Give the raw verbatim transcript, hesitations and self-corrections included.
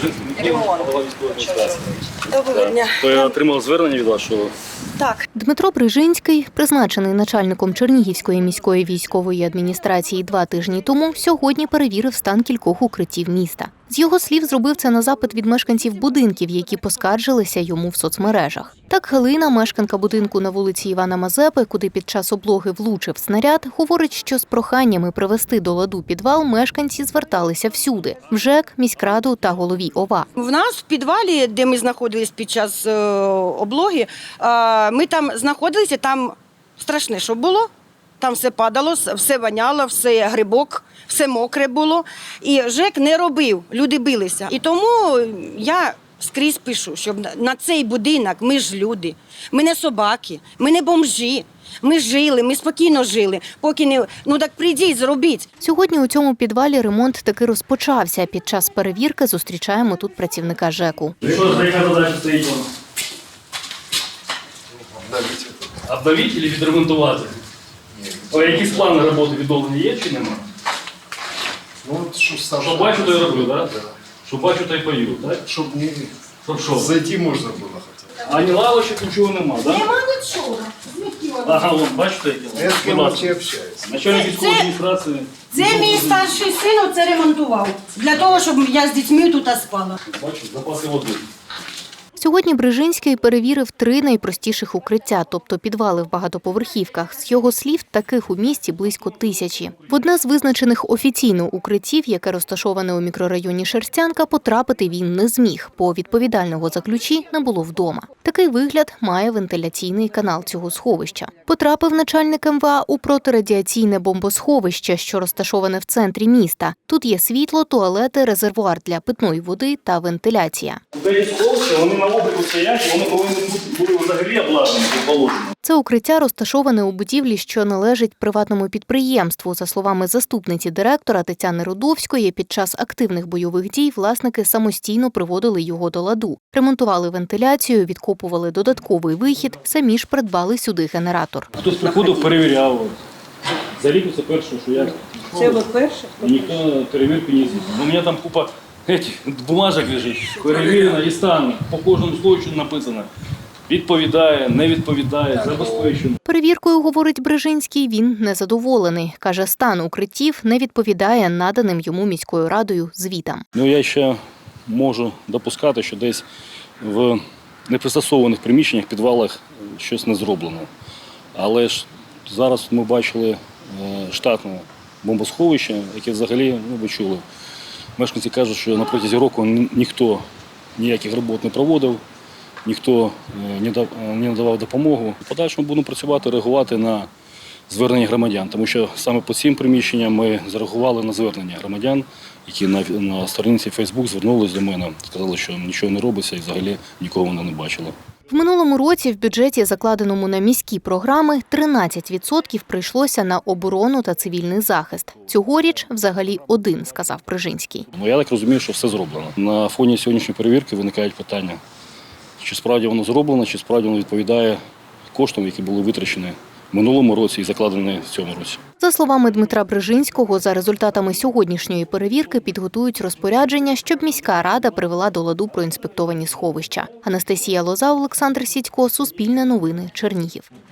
Доброго дня. То я отримав звернення від вас, що... Так. Дмитро Брижинський, призначений начальником Чернігівської міської військової адміністрації два тижні тому, сьогодні перевірив стан кількох укриттів міста. З його слів, зробив це на запит від мешканців будинків, які поскаржилися йому в соцмережах. Так Галина, мешканка будинку на вулиці Івана Мазепи, куди під час облоги влучив снаряд, говорить, що з проханнями привести до ладу підвал мешканці зверталися всюди – в ЖЕК, міськраду та голові ОВА. В нас в підвалі, де ми знаходились під час е, облоги, е, ми там знаходилися, там страшне, що було. Там все падало, все воняло, все грибок, все мокре було. І ЖЕК не робив, люди билися. І тому я скрізь пишу, щоб на цей будинок ми ж люди, ми не собаки, ми не бомжі. Ми жили, ми спокійно жили, поки не... Ну так прийдіть, зробіть. Сьогодні у цьому підвалі ремонт таки розпочався. Під час перевірки зустрічаємо тут працівника ЖЕКу. Що за яка задача стоїть вам? Обновити чи відремонтувати? А якісь плани роботи відновлення є чи нема? Ну, що Саша... Що бачу, то й роблю, так? Що бачу, то й пою, так? Щоб не... Щоб що? Зайти можна було хоча б. А ні лавочок, нічого нема, так? Нема нічого. Ага, вон, бачите, які? Я з ким вообще общаюсь. Начальник військової адміністрації. Це мій старший син це ремонтував, для того, щоб я з дітьми тут спала. Бачу, запаси води. Сьогодні Брижинський перевірив три найпростіших укриття, тобто підвали в багатоповерхівках. З його слів, таких у місті близько тисячі. В одне з визначених офіційно укриттів, яке розташоване у мікрорайоні Шерстянка, потрапити він не зміг, бо відповідального за ключі не було вдома. Такий вигляд має вентиляційний канал цього сховища. Потрапив начальник ем ве а у протирадіаційне бомбосховище, що розташоване в центрі міста. Тут є світло, туалети, резервуар для питної води та вентиляція. Деякі сховища, вони на обліку стоять, вони повинні бути взагалі обладнані по положенню. Це укриття розташоване у будівлі, що належить приватному підприємству. За словами заступниці директора Тетяни Рудовської, під час активних бойових дій власники самостійно приводили його до ладу. Ремонтували вентиляцію, відкопували додатковий вихід, самі ж придбали сюди генератор. Хтось приходив, перевіряв. Заліку це перше, що я... Це ви перше? Ніхто перевірку не здійснив. У мене там купа этих, бумажок лежить, перевірено і стан. По кожному злочину написано. Відповідає, не відповідає, забезпечено. Перевіркою, говорить Брижинський, він незадоволений. Каже, стан укриттів не відповідає наданим йому міською радою звітам. Ну, я ще можу допускати, що десь в непристосованих приміщеннях, підвалах щось не зроблено. Але ж зараз ми бачили штатне бомбосховище, яке взагалі, ну, ви чули, мешканці кажуть, що на протязі року ніхто ніяких робот не проводив, ніхто не надавав допомогу. В подальшому будемо працювати, реагувати на звернення громадян, тому що саме по цим приміщенням ми зареагували на звернення громадян, які на, на сторінці Фейсбук звернулись до мене, сказали, що нічого не робиться і взагалі нікого вони не бачили. В минулому році в бюджеті, закладеному на міські програми, тринадцять відсотків прийшлося на оборону та цивільний захист. Цьогоріч взагалі один, сказав Брижинський. Ну, я так розумію, що все зроблено. На фоні сьогоднішньої перевірки виникають питання, чи справді воно зроблено, чи справді воно відповідає коштам, які були витрачені в минулому році і закладені в цьому році. За словами Дмитра Брижинського, за результатами сьогоднішньої перевірки підготують розпорядження, щоб міська рада привела до ладу проінспектовані сховища. Анастасія Лоза, Олександр Сідько, Суспільне новини, Чернігів.